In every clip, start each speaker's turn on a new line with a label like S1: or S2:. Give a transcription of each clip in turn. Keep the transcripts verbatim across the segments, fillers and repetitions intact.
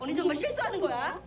S1: 너는 정말 실수하는 거야?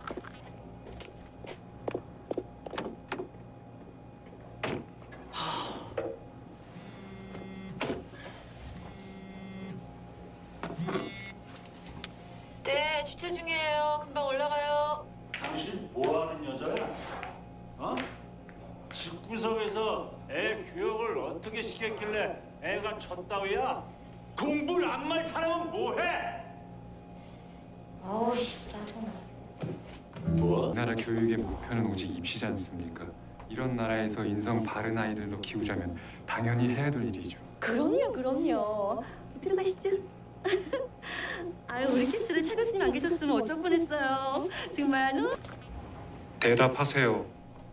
S2: 네, 주차 중이에요. 금방 올라가요.
S3: 당신 뭐하는 여자야? 어? 집구석에서 애 교육을 어떻게 시켰길래 애가 쳤다위야? 공부를 안 말 사람은 뭐해?
S2: 아우 씨 짜증나.
S3: 뭐?
S4: 우리나라 교육의 목표는 오직 입시지 않습니까? 이런 나라에서 인성 바른 아이들로 키우자면 당연히 해야 될 일이죠.
S1: 그럼요, 그럼요. 들어가시죠. 아유, 우리 캐스를 차 교수님 안 계셨으면 어쩔 뻔했어요. 정말 너.
S4: 대답하세요.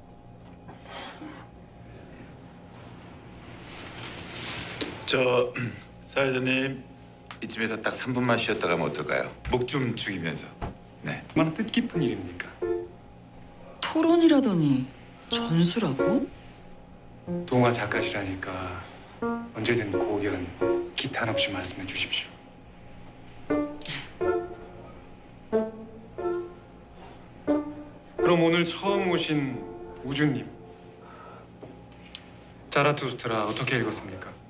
S5: 저 사회자님 이쯤에서 딱 삼 분만 쉬었다 가면 어떨까요? 목 좀 죽이면서. 네.
S4: 얼마나 뜻깊은 일입니까?
S6: 토론이라더니 전수라고?
S4: 동화 작가시라니까 언제든 고견 기탄 없이 말씀해 주십시오. 그럼 오늘 처음 오신 우주님, 자라투스트라 어떻게 읽었습니까?